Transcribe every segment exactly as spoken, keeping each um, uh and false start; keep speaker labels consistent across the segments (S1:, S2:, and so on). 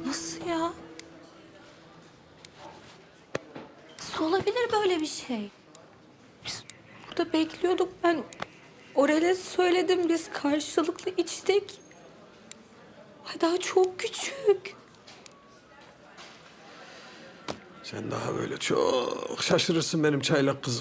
S1: Nasıl ya? Nasıl olabilir böyle bir şey? Biz burada bekliyorduk. Ben Orel'e söyledim. Biz karşılıklı içtik. Ay daha çok küçük.
S2: Sen daha böyle çok şaşırırsın benim çaylak kızım.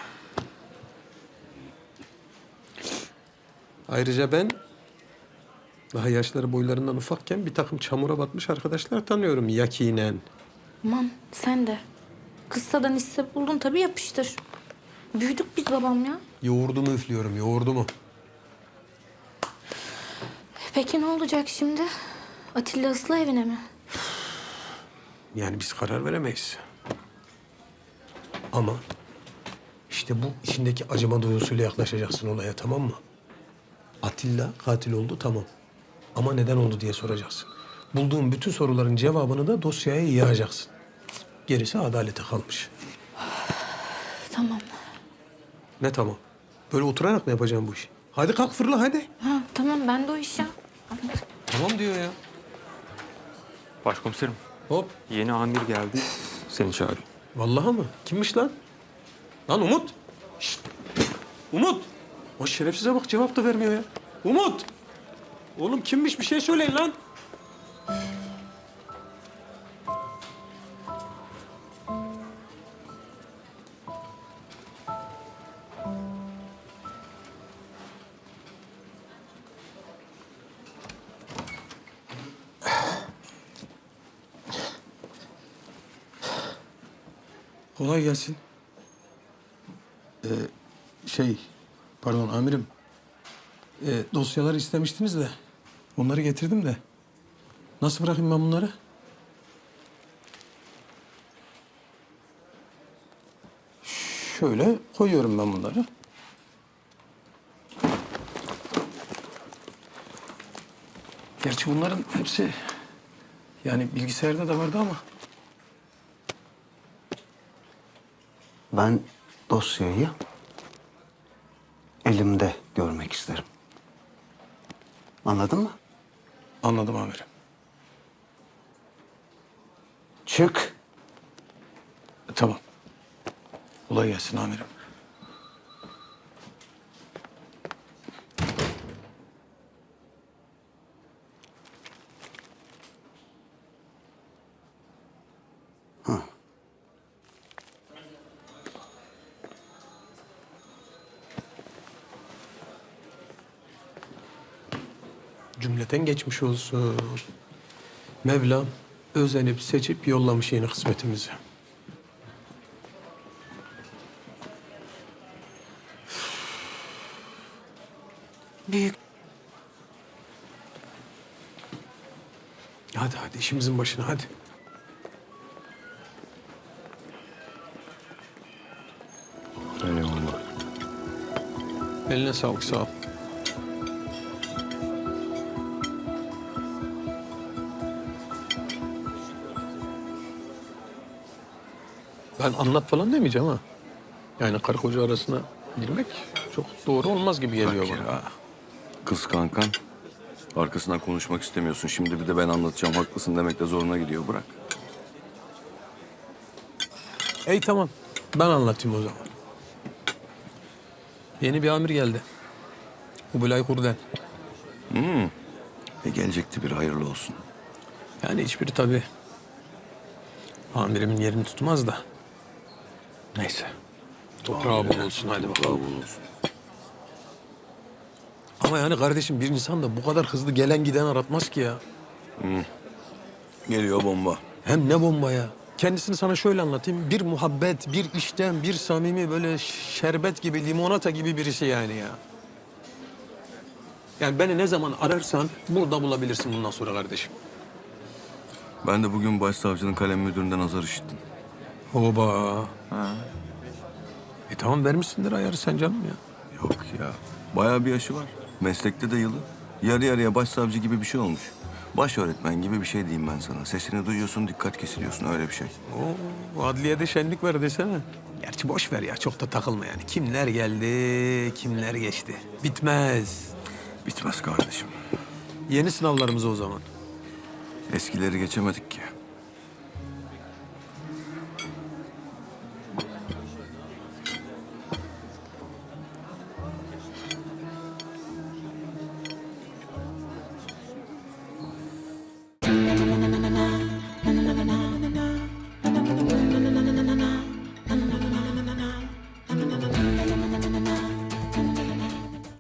S2: Ayrıca ben daha yaşları boylarından ufakken bir takım çamura batmış arkadaşlar tanıyorum yakinen.
S1: Aman sen de. Kıssadan hisse buldun tabii yapıştır. Büyüdük biz babam ya.
S2: Yoğurdumu üflüyorum, yoğurdumu.
S1: Peki ne olacak şimdi? Atilla Islı evine mi?
S2: Yani biz karar veremeyiz. Ama işte bu içindeki acıma duygusuyla yaklaşacaksın olaya, tamam mı? Atilla katil oldu, tamam. Ama neden oldu diye soracaksın. Bulduğun bütün soruların cevabını da dosyaya yığacaksın. Gerisi adalete kalmış.
S1: Tamam.
S2: Ne tamam? Böyle oturarak mı yapacağım bu işi? Hadi kalk fırla hadi.
S1: Ha, tamam ben de o iş ya.
S2: Tamam diyor ya.
S3: Başkomiserim,
S2: Hop.
S3: yeni amir geldi. Seni çağırıyor.
S2: Vallahi mı? Kimmiş lan? Lan Umut. Şşt. Umut. O şerefsize bak cevap da vermiyor ya. Umut. Oğlum kimmiş bir şey söyleyin lan.
S4: Kolay gelsin. Ee, şey, pardon amirim. Ee, dosyaları istemiştiniz de onları getirdim de. Nasıl bırakayım ben bunları? Şöyle koyuyorum ben bunları. Gerçi bunların hepsi yani bilgisayarda da vardı ama.
S5: Ben dosyayı elimde görmek isterim. Anladın mı?
S4: Anladım amirim.
S5: Çık.
S4: Tamam. Kolay gelsin amirim.
S2: Cümleten geçmiş olsun. Mevlam özenip seçip yollamış yeni kısmetimizi.
S1: Büyük.
S2: Hadi hadi işimizin başına hadi.
S5: Eyvallah.
S2: Eline sağlık, sağ ol. Ben anlat falan demeyeceğim ha. Yani karı koca arasına girmek çok doğru olmaz gibi geliyor
S6: Bak
S2: bana.
S6: ya. Kız kankan. Arkasından konuşmak istemiyorsun. Şimdi bir de ben anlatacağım. Haklısın demek de zoruna gidiyor. Bırak.
S2: Ey tamam. Ben anlatayım o zaman. Yeni bir amir geldi. Kubilay Kurden.
S6: E gelecekti bir hayırlı olsun.
S2: Yani hiçbiri tabii amirimin yerini tutmaz da. Neyse. Toprağı bol olsun hadi bakalım.
S6: Bravo olsun.
S2: Ama yani kardeşim bir insan da bu kadar hızlı gelen giden aratmaz ki ya.
S6: Geliyor bomba.
S2: Hem ne bomba ya. Kendisini sana şöyle anlatayım. Bir muhabbet, bir işten, bir samimi böyle şerbet gibi, limonata gibi birisi yani ya. Yani beni ne zaman ararsan burada bulabilirsin bundan sonra kardeşim.
S6: Ben de bugün başsavcının kalem müdüründen azar işittim.
S2: Oba. E tamam vermişsindir ayarı sen canım ya.
S6: Yok ya. Bayağı bir yaşı var. Meslekte de yılı. Yarı yarıya başsavcı gibi bir şey olmuş. Baş öğretmen gibi bir şey diyeyim ben sana. Sesini duyuyorsun, dikkat kesiliyorsun. Öyle bir şey.
S2: Oo, adliyede şenlik var desene. Gerçi boş ver ya çok da takılma yani. Kimler geldi, kimler geçti. Bitmez.
S6: Bitmez kardeşim.
S2: Yeni sınavlarımız o zaman.
S6: Eskileri geçemedik ki.